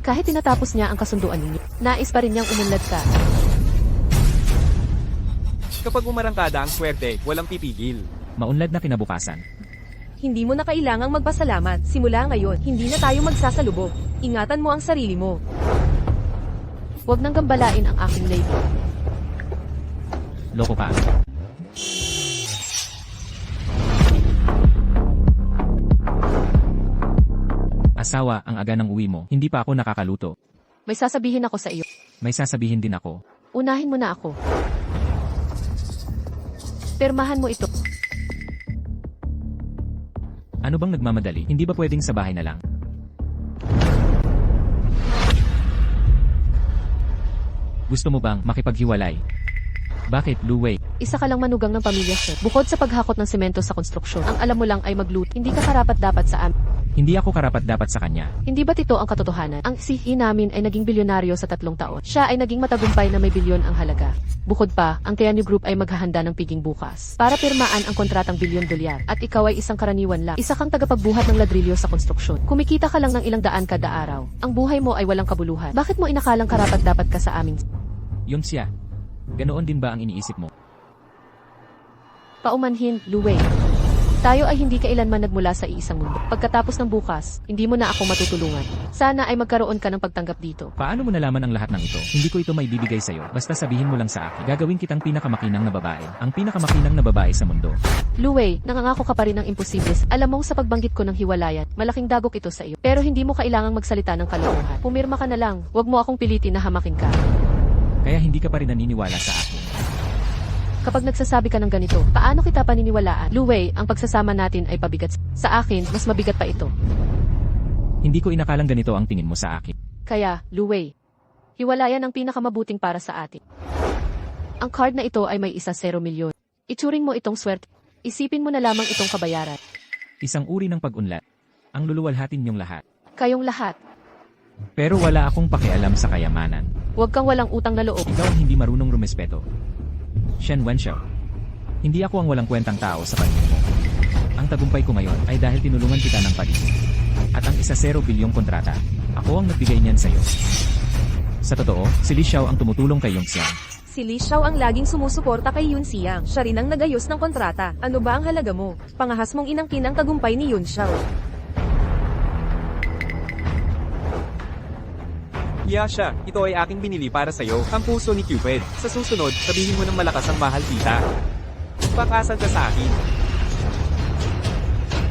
Kahit tinatapos niya ang kasunduan ninyo, nais pa rin niyang umunlad ka. Kapag umarangkada ang swerte, walang pipigil. Maunlad na kinabukasan. Hindi mo na kailangang magpasalamat. Simula ngayon, hindi na tayo magsasalubog. Ingatan mo ang sarili mo. Huwag nang gambalain ang aking lady. Loko ka. Asawa, ang aga ng uwi mo, hindi pa ako nakakaluto. May sasabihin ako sa iyo. May sasabihin din ako. Unahin mo na ako. Pirmahan mo ito. Ano bang nagmamadali? Hindi ba pwedeng sa bahay na lang? Gusto mo bang makipaghiwalay? Bakit, Luwei? Isa ka lang manugang ng pamilya, sir. Bukod sa paghakot ng semento sa konstruksyon, ang alam mo lang ay magluto. Hindi ka karapat-dapat sa amin. Hindi ako karapat-dapat sa kanya. Hindi ba't ito ang katotohanan? Ang sihi namin ay naging bilyonaryo sa 3 taon. Siya ay naging matagumpay na may bilyon ang halaga. Bukod pa, ang Tianyu Group ay maghahanda ng piging bukas para pirmaan ang kontratang $1 bilyon. At ikaw ay isang karaniwan lang. Isa kang tagapagbuhat ng ladrilyo sa konstruksyon. Kumikita ka lang ng ilang daan kada araw. Ang buhay mo ay walang kabuluhan. Bakit mo inakalang karapat-dapat ka sa amin? Yun siya. Ganoon din ba ang iniisip mo? Paumanhin, Luwei. Tayo ay hindi kailanman nagmula sa iisang mundo. Pagkatapos ng bukas, hindi mo na ako matutulungan. Sana ay magkaroon ka ng pagtanggap dito. Paano mo nalaman ang lahat ng ito? Hindi ko ito maibibigay sa'yo. Basta sabihin mo lang sa akin. Gagawin kitang pinakamakinang na babae. Ang pinakamakinang na babae sa mundo. Luwei, nangangako ka pa rin ng imposibles. Alam mong sa pagbanggit ko ng hiwalayan, malaking dagok ito sa iyo. Pero hindi mo kailangang magsalita ng kalokohan. Pumirma ka na lang. Huwag mo akong pilitin na hamakin ka. Kaya hindi ka pa rin naniniwala sa akin. Kapag nagsasabi ka ng ganito, paano kita paniniwalaan? Luwei, ang pagsasama natin ay pabigat. Sa akin, mas mabigat pa ito. Hindi ko inakalang ganito ang tingin mo sa akin. Kaya, Luwei, hiwalayan ang pinakamabuting para sa atin. Ang card na ito ay may 1 milyon. Ituring mo itong swerte. Isipin mo na lamang itong kabayaran. Isang uri ng pag-unlad. Ang luluwalhatin niyong lahat. Kayong lahat. Pero wala akong pakialam sa kayamanan. Huwag kang walang utang na loob. Ikaw ang hindi marunong rumespeto. Shen Wenxiao. Hindi ako ang walang kwentang tao sa paningin mo. Ang tagumpay ko ngayon ay dahil tinulungan kita ng pag-isip. At ang 1 bilyong kontrata, ako ang nagbigay niyan sa'yo. Sa totoo, si Li Xiao ang tumutulong kay Yong Xiang. Si Li Xiao ang laging sumusuporta kay Yun Xiang. Siya rin ang nagayos ng kontrata. Ano ba ang halaga mo? Pangahas mong inangkin ang tagumpay ni Yun Xiao. Yasha, ito ay aking binili para sa'yo, ang puso ni Cupid. Sa susunod, sabihin mo ng malakas ang mahal kita. Pakasal ka sa akin.